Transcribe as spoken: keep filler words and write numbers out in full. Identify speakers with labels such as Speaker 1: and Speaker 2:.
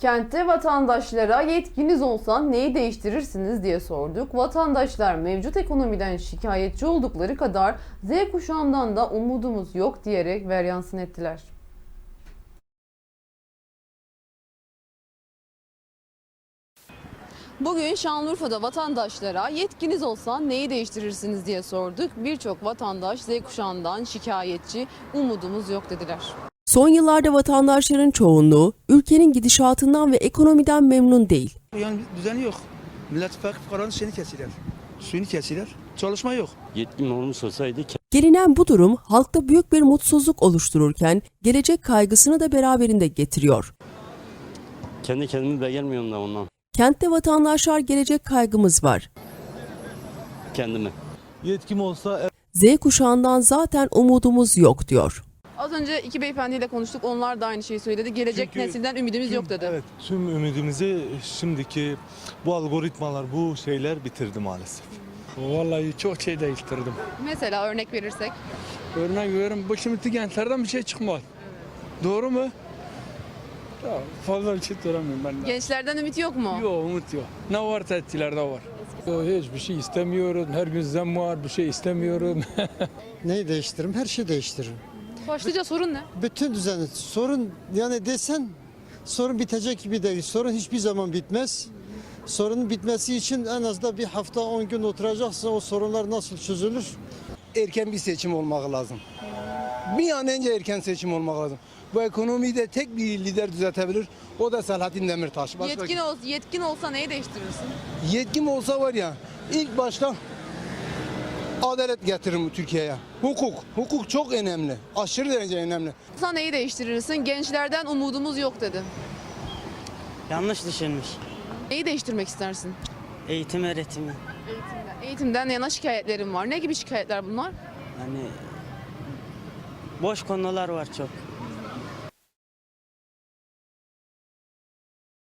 Speaker 1: Kentte vatandaşlara yetkiniz olsa neyi değiştirirsiniz diye sorduk. Vatandaşlar mevcut ekonomiden şikayetçi oldukları kadar Z kuşağından da umudumuz yok diyerek veryansın ettiler. Bugün Şanlıurfa'da vatandaşlara yetkiniz olsa neyi değiştirirsiniz diye sorduk. Birçok vatandaş Z kuşağından şikayetçi, umudumuz yok dediler.
Speaker 2: Son yıllarda vatandaşların çoğunluğu ülkenin gidişatından ve ekonomiden memnun değil.
Speaker 3: Yani düzeni yok. Millet İttifakı fukaranın şeyini kesiler. Suyunu kesiler. Çalışma yok.
Speaker 4: Yetkin olmuş olsaydı.
Speaker 2: Gelinen bu durum halkta büyük bir mutsuzluk oluştururken gelecek kaygısını da beraberinde getiriyor.
Speaker 4: Kendi kendimi beğenmiyorum da ondan.
Speaker 2: Kentte vatandaşlar gelecek kaygımız var.
Speaker 4: Kendimi.
Speaker 5: Yetkim olsa...
Speaker 2: Z kuşağından zaten umudumuz yok diyor.
Speaker 1: Az önce iki beyefendiyle konuştuk. Onlar da aynı şeyi söyledi. Gelecek
Speaker 5: Çünkü
Speaker 1: nesilden ümidimiz
Speaker 5: tüm,
Speaker 1: yok dedi.
Speaker 5: Evet, tüm ümidimizi şimdiki bu algoritmalar, bu şeyler bitirdi maalesef.
Speaker 6: Vallahi çok şey değiştirdim.
Speaker 1: Mesela örnek verirsek.
Speaker 6: Örnek veriyorum, bu şimdiki gençlerden bir şey çıkmaz. Doğru mu? Ya fazla bir şey duramıyorum ben de.
Speaker 1: Gençlerden ümit yok mu?
Speaker 6: Yok, umut yok. Ne varsa etkilerde var. Yok, hiçbir şey istemiyorum. Her gün zam var, bir şey istemiyorum.
Speaker 7: Neyi değiştiririm? Her şeyi değiştiririm.
Speaker 1: Başlıca sorun ne?
Speaker 7: Bütün düzeni. Sorun yani desen sorun bitecek gibi değil. Sorun hiçbir zaman bitmez. Sorunun bitmesi için en az da bir hafta on gün oturacaksın. O sorunlar nasıl çözülür?
Speaker 3: Erken bir seçim olmak lazım. Bir an önce erken seçim olmak lazım. Bu ekonomiyi de tek bir lider düzeltebilir. O da Selahattin Demirtaş. Başka
Speaker 1: Yetkin, ol, yetkin olsa neyi değiştirirsin?
Speaker 3: Yetkim olsa var ya, ilk başta adalet getiririm Türkiye'ye. Hukuk. Hukuk çok önemli. Aşırı derece önemli.
Speaker 1: Sen neyi değiştirirsin? Gençlerden umudumuz yok dedi.
Speaker 8: Yanlış düşünmüş.
Speaker 1: Neyi değiştirmek istersin?
Speaker 8: Eğitim öğretimi.
Speaker 1: Eğitimden. Eğitimden yana şikayetlerim var. Ne gibi şikayetler bunlar?
Speaker 8: Yani boş konular var çok.